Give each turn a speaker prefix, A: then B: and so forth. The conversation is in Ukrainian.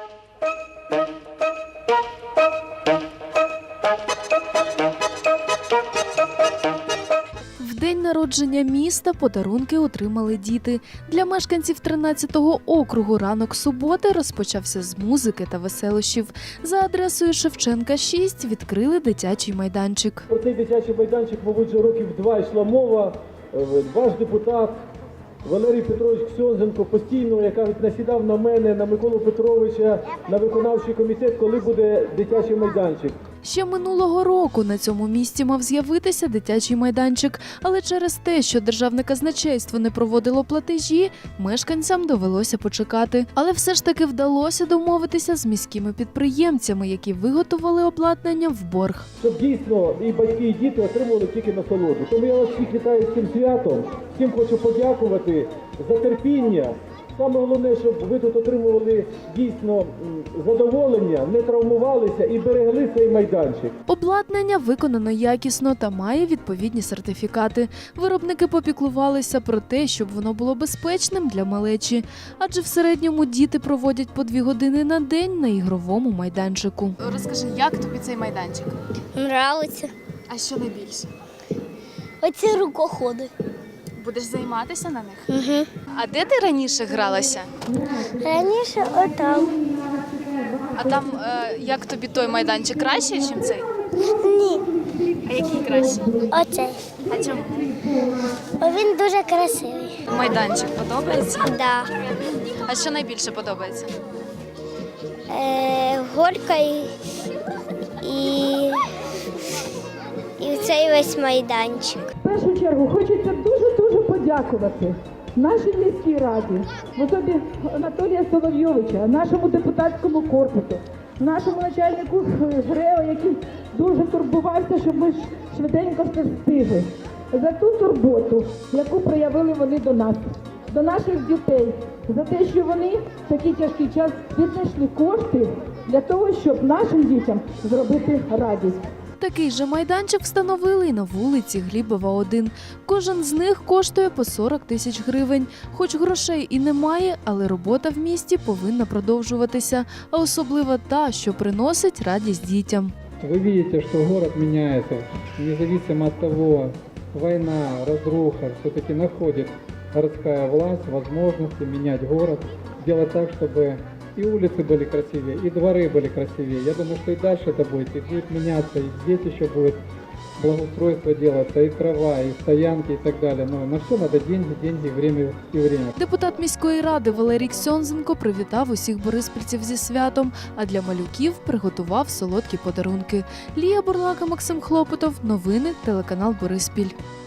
A: В день народження міста подарунки отримали діти. Для мешканців 13-го округу ранок суботи розпочався з музики та веселощів. За адресою Шевченка, 6 відкрили дитячий майданчик.
B: Про цей дитячий майданчик, мабуть, вже років 2 йшла мова. Ваш депутат Валерій Петрович Ксьонзенко постійно, як кажуть, насідав на мене, на Миколу Петровича, на виконавчий комітет, коли буде дитячий майданчик.
A: Ще минулого року на цьому місці мав з'явитися дитячий майданчик, але через те, що державне казначейство не проводило платежі, мешканцям довелося почекати. Але все ж таки вдалося домовитися з міськими підприємцями, які виготовили обладнання в борг.
B: Щоб дійсно і батьки, і діти отримували тільки насолоду. Тому я вас всіх вітаю з цим святом, всім хочу подякувати за терпіння. Саме головне, щоб ви тут отримували дійсно задоволення, не травмувалися і берегли цей майданчик.
A: Обладнання виконано якісно та має відповідні сертифікати. Виробники попіклувалися про те, щоб воно було безпечним для малечі. Адже в середньому діти проводять по 2 години на день на ігровому майданчику. Розкажи, як тобі цей майданчик?
C: Нравиться.
A: А що найбільше?
C: Оці рукоходи.
A: Будеш займатися на них?
C: Угу.
A: А де ти раніше гралася?
C: Раніше отам.
A: А там як тобі той майданчик краще, ніж цей?
C: Ні.
A: А який краще?
C: Оцей.
A: А чому?
C: Бо він дуже красивий.
A: Майданчик подобається?
C: Да.
A: А що найбільше подобається?
C: Горка і цей весь майданчик.
D: В першу чергу хочеться дуже подякувати нашій міській раді, в особі Анатолія Соловйовича, нашому депутатському корпусу, нашому начальнику ГРЕО, який дуже турбувався, щоб ми швиденько все встигли. За ту турботу, яку проявили вони до нас, до наших дітей, за те, що вони в такий тяжкий час віднайшли кошти для того, щоб нашим дітям зробити радість.
A: Такий же майданчик встановили і на вулиці Глібова, 1. Кожен з них коштує по 40 тисяч гривень. Хоч грошей і немає, але робота в місті повинна продовжуватися. А особливо та, що приносить радість дітям.
E: Вы видите, что город меняется, независимо от того, война, разруха, все-таки находит городская власть возможности менять город, делать так, чтобы и улицы были красивее, и дворы были красивее. Я думаю, что и дальше это будет меняться, и здесь еще будет благоустройство делаться, и трава, и стоянки, и так далее. Но на все надо деньги, время и время.
A: Депутат міської ради Валерій Ксьонзенко привітав усіх бориспільців зі святом, а для малюків приготував солодкі подарунки. Лія Бурлака, Максим Хлопотов. Новини, телеканал Бориспіль.